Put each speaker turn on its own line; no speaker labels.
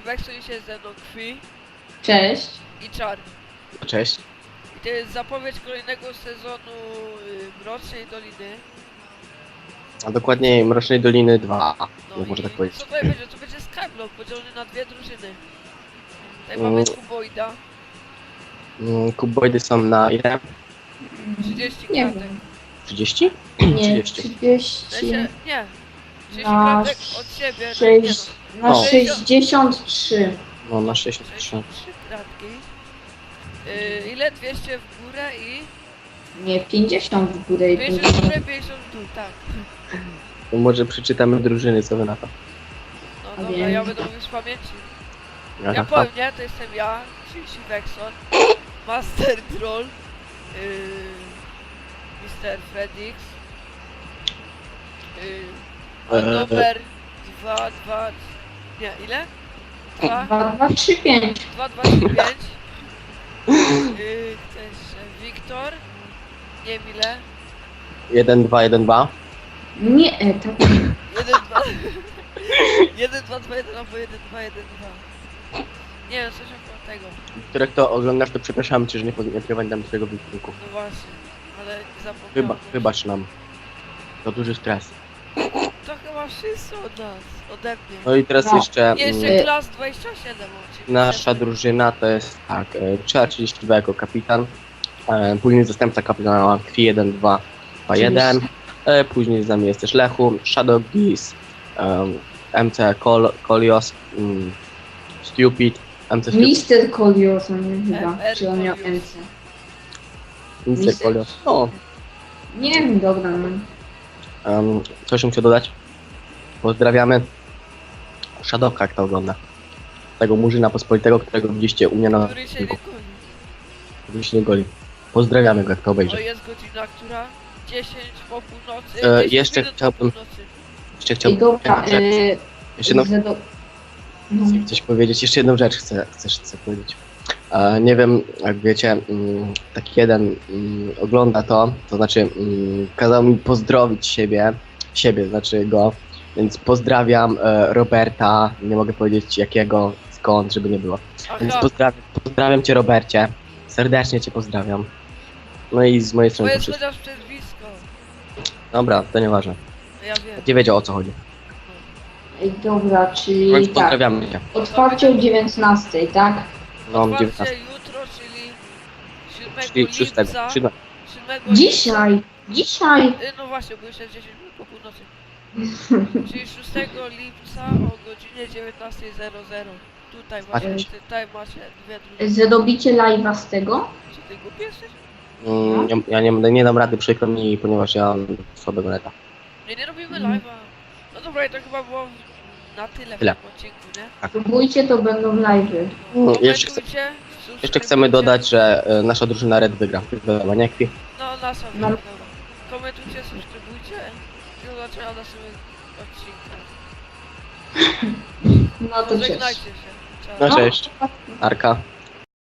Wexon się ze mną Krwi
Cześć.
i Czar.
Cześć.
I to jest zapowiedź kolejnego sezonu Mrocznej Doliny.
A dokładniej Mrocznej Doliny 2,
No
można
i
tak powiedzieć.
co tutaj będzie? To będzie Skyblock podzielony na dwie drużyny. Tutaj mamy Kuboida,
Kuboidy są na ile?
30
Nie
kratek.
wiem.
30?
Nie,
30.
30
W sensie, nie. 30
na
kratek od siebie.
6, na
O.
63.
No na 63.
63 kratki. Ile? 200 w górę i...
Nie, 50 w górę i
200 w
50.
górę, 50 w dół, tak.
To może przeczytamy drużyny, co wy na to.
No
A
dobra,
więc-
ja będę mówił z pamięci. Ja
Aha.
powiem, nie? To jestem ja, czyli Vexon, Master Troll, Mr. Fredix, numer 2, 2, nie, ile? 2,
2, 2, 3, 5.
2, 2, 3, 5. Też Wiktor, nie wiem ile.
1, 2, 1, 2.
Nie, tak.
1, 2, 1, 2, 2, 1, albo 1, 2, 1, 2. Nie wiem, coś około tego.
Których to oglądasz, to przepraszam cię, że nie pamiętam twojego występu.
No właśnie, ale zapomniałem.
Wybacz nam. To duży stres.
To chyba wszyscy od nas, ode mnie.
No i teraz
No.
jeszcze
Jeszcze klas 27 oczywiście.
nasza drużyna to jest tak, Czar 32 jako kapitan, później zastępca kapitana Krwi 1, 2, 2, 1, później z nami jest też Lechu, Shadow Geese, MC Kolios, Stupid, MC Stupid,
Mister Kolios, on nie chyba.
MR
Czy on miał
Kolios.
MC?
MC Kolios. O,
Nie wiem, dobra, no.
coś bym chciał dodać. Pozdrawiamy Shadowka, jak to ogląda. Tego murzyna pospolitego, którego widzieliście u mnie na
Który się nie
filmiku.
goni.
Który się nie goli. Pozdrawiamy go, jak to
No
obejrzy.
jest godzina, która? 10 po północy. 10
jeszcze
minut po
chciałbym-
północy.
Jeszcze
I
chciałbym
dobra,
jeszcze jedną,
no.
chcę coś powiedzieć, jeszcze jedną rzecz chcę powiedzieć. Nie wiem, jak wiecie, taki jeden ogląda to znaczy kazał mi pozdrowić siebie, znaczy go, więc pozdrawiam Roberta, nie mogę powiedzieć jakiego, skąd, żeby nie było. Więc
Aha,
pozdrawiam cię, Robercie, serdecznie cię pozdrawiam. No i z mojej
to
strony to
jest
wszystko.
chociaż przez blisko.
Dobra, to nieważne.
No ja wiem.
Nie wiedział, o co chodzi.
Ej, dobra,
Więc
czyli tak.
pozdrawiamy cię.
Otwarcie o 19, tak?
No,
Otwarcie
19.
jutro, czyli 7
Czyli 6.
lipca. 7
Dzisiaj! Dzisiaj!
No właśnie, bo już jest 10 minut po północy. Czyli 6 lipca o godzinie 19:00. Tutaj właśnie,
Patrzcie.
tutaj macie dwie drużyny.
Zrobicie live'a z tego?
Czy ty głupi jesteś?
Ja nie dam rady, przykro mi, ponieważ ja mam słabego neta.
Nie robimy live'a. No dobra, i to chyba było na tyle w
Tyle.
tym odcinku, nie?
Próbujcie, to będą live'y.
Jeszcze
Komentujcie,
Jeszcze chcemy dodać, że nasza drużyna Red wygra. Wiadomo, nie kwi.
No, nasza
No.
dobra. Komentujcie, subskrybujcie i do zobaczenia w naszym odcinku.
No to cześć.
Żegnajcie się. Cześć.
No cześć. Arka.